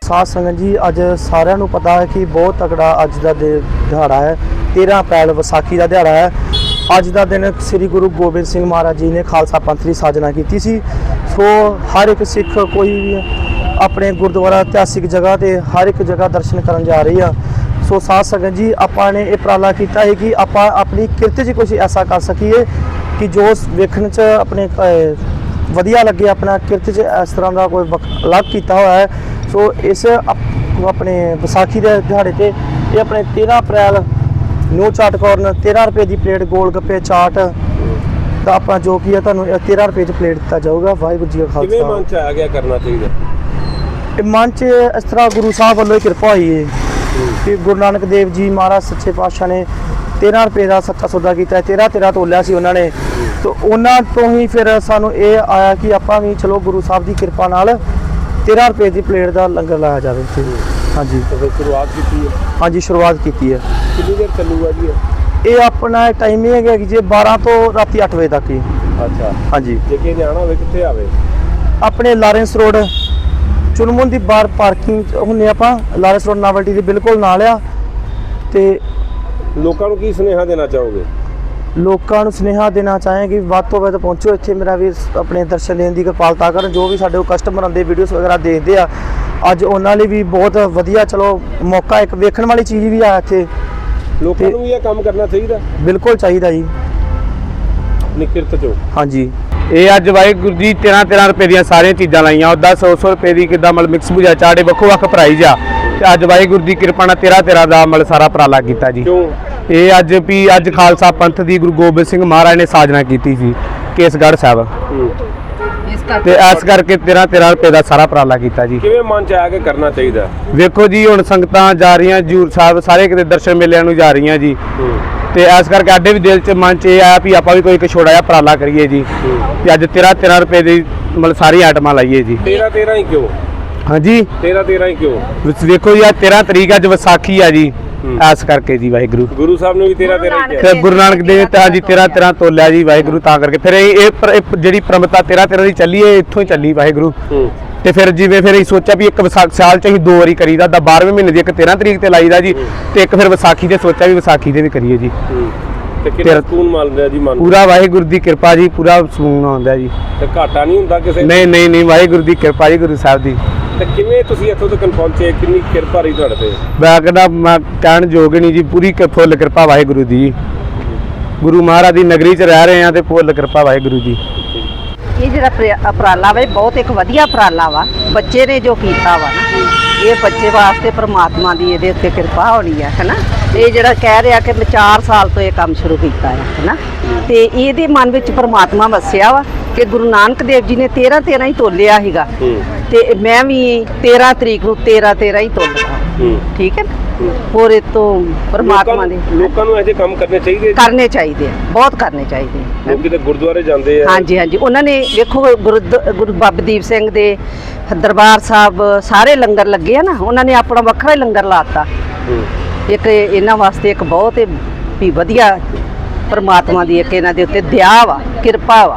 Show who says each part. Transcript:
Speaker 1: साध संगत जी अज सारिਆਂ ਨੂੰ पता है कि बहुत तगड़ा अज का दिहाड़ा है। 13 अप्रैल विसाखी का दिहाड़ा है। अज का दिन श्री गुरु गोबिंद सिंह महाराज जी ने खालसा पंथ की साजना की सी। सो हर एक सिख कोई भी अपने गुरुद्वारा इतिहासिक जगह ते हर एक जगह दर्शन करन जा रही है। सो साध संगत जी आपां ने यह उपराला किया है कि आपां अपनी किरत च कुछ ऐसा कर सकीए कि जो वेखण च अपने वधिया लगे, अपना किरत च इस तरह का कोई अलग किया हुआ है। सो इस अपने विसाखी के दिहाड़े ते ये अपने 13 अप्रैल न्यू चाट कॉर्नर 13 रुपए की प्लेट गोल गप्पे चाट तो आप जो कि है तुहानूं 13 रुपए च प्लेट दिता जाऊगा। वाहिगुरू जी का खालसा।
Speaker 2: किवें मन च आ गया करना चाहिए?
Speaker 1: मन च इस तरह गुरु साहब वालों कृपा हुई है कि गुरु नानक देव जी महाराज सच्चे पातशाह ने 13 रुपए का सच्चा सौदा किया। 13 तोलिया सी उन्होंने, तो उन्होंने तो ही फिर सानू ये आया कि आपां भी चलो गुरु साहब की कृपा नाल 13 रुपए की प्लेट का लंगर लाया जाए। हाँ जी,
Speaker 2: तो फिर शुरुआत की है?
Speaker 1: हाँ जी, शुरुआत की है।
Speaker 2: कितनी देर चलूगा जी?
Speaker 1: ये अपना टाइमिंग है कि जी 12 तो राती 8 बजे तक ही।
Speaker 2: अच्छा,
Speaker 1: हाँ जी।
Speaker 2: जे कि जाना होवे कित्थे आवे?
Speaker 1: अपने लारेंस रोड चुनमुन की बार पार्किंग हुन्ने आपां लारेंस रोड नावल्टी के बिल्कुल नाल आ। ते
Speaker 2: लोकां नूं की सुनेहा देना चाहोगे?
Speaker 1: लोगों को सुनेहा देना चाहें कि वध तो वध पहुँचो इत्थे, मेरा भी अपने दर्शन देने की कृपालता कर। जो भी साडे कस्टमर आते वीडियोस वगैरह देखते हैं, अज उन्होंने लिए भी बहुत वधिया चलो मौका एक वेखण वाली चीज़ भी आ इत्थे।
Speaker 2: लोकां नूं भी ये काम करना चाहिए?
Speaker 1: बिल्कुल चाहिए जी।
Speaker 2: निकिरत चो।
Speaker 1: हाँ जी,
Speaker 3: ये अज वाहिगुरू जी 13 रुपए दी सारिया चीज़ां लाइया। उदा 100 रुपए की कि मतलब मिक्स भुजा चाटे वक्खो वक्ख प्राइज आ। अज वाहिगुरू की कृपा नाल 13 का मतलब सारा उपराला किया जी।
Speaker 2: क्यों?
Speaker 3: ये अज भी अज खालसा पंथ की गुरु गोबिंद सिंह महाराज ने साजना की थी केसगढ़ साहब, ते इस करके 13 रुपए का सारा उपराला किया जी।
Speaker 2: किवें मन च आके करना चाहिए?
Speaker 3: वेखो जी हुण संगतां जा रही हजूर साहब सारे किते दर्शन मेलिਆਂ ਨੂੰ जा रही जी, ते इस करके आडे भी दिल च मन च ये आया भी आपां भी कोई एक छोटा जिहा उपराला करिए जी। ते अज 13 रुपए की मतलब सारी आइटमां लाइए जी।
Speaker 2: 13 ही क्यों?
Speaker 3: हाँ जी,
Speaker 2: 13 ही क्यों?
Speaker 3: देखो जी 13 तरीक अज विसाखी है जी, इस करके जी वाहिगुरू
Speaker 2: गुरु साहब ने भी 13 ही किया।
Speaker 3: फिर गुरु नानक देव ता जी 13 तोलिया जी वाहिगुरू, ता करके फिर ये जी परंपरा 13 की चली है, इत्थों ही चली वाहिगुरू। ते फिर जिवें फिर सोचा भी एक विसाख साल च असीं 2 वारी करीदा, 12वें महीने की एक 13 तरीक ते लाईदा जी, ते एक फिर विसाखी ते सोचा भी विसाखी ते भी करिए जी।
Speaker 2: ते कितना सुकून मिलदा जी मन?
Speaker 3: पूरा वाहिगुरू की कृपा जी, पूरा सुकून आउंदा जी।
Speaker 2: ते घाटा नहीं हुंदा किसे?
Speaker 3: नहीं वाहिगुरू की कृपा जी, गुरु साहब दी।
Speaker 2: ते किवें तुसीं इत्थों तक पहुंचे? कितनी किरपा रही तुहाडे ते?
Speaker 3: मैं कहना मैं कहण जोग नहीं जी, पूरी फुल कृपा वाहिगुरू दी। गुरु महाराज की नगरी च रह रहे हैं तो फुल कृपा वाहिगुरू जी।
Speaker 4: ये जिहड़ा उपराला वा बहुत एक वधिया उपराला वा, बच्चे ने जो कीता वा ना, ये बच्चे वास्ते परमात्मा की ये उत्ते कृपा होनी है ना। ये जिहड़ा कह रहा कि मैं 4 साल तो ये काम शुरू किया है ना, तो ये मन में परमात्मा वसिया वा कि गुरु नानक देव जी ने 13 ही तोलिया सीगा, ते मैं भी 13 तरीक नूं 13 ही तोलदा। ठीक है ना, और ये तो परमात्मा दे
Speaker 2: लोकां नूं ऐसे काम करने चाहिए?
Speaker 4: करने चाहिए, बहुत करने चाहिए।
Speaker 2: लोग किते गुरुद्वारे जाते हैं।
Speaker 4: हाँ जी, हाँ जी, उन्होंने देखो गुरु बाबा दीप सिंह दे दरबार साहब सारे लंगर लगे है ना, उन्होंने अपना वखरा ही लंगर लाता। एक इन्हां वास्ते एक बहुत ही वधिया परमात्मा की एक इन्हां दे उत्ते दया वा, कृपा वा।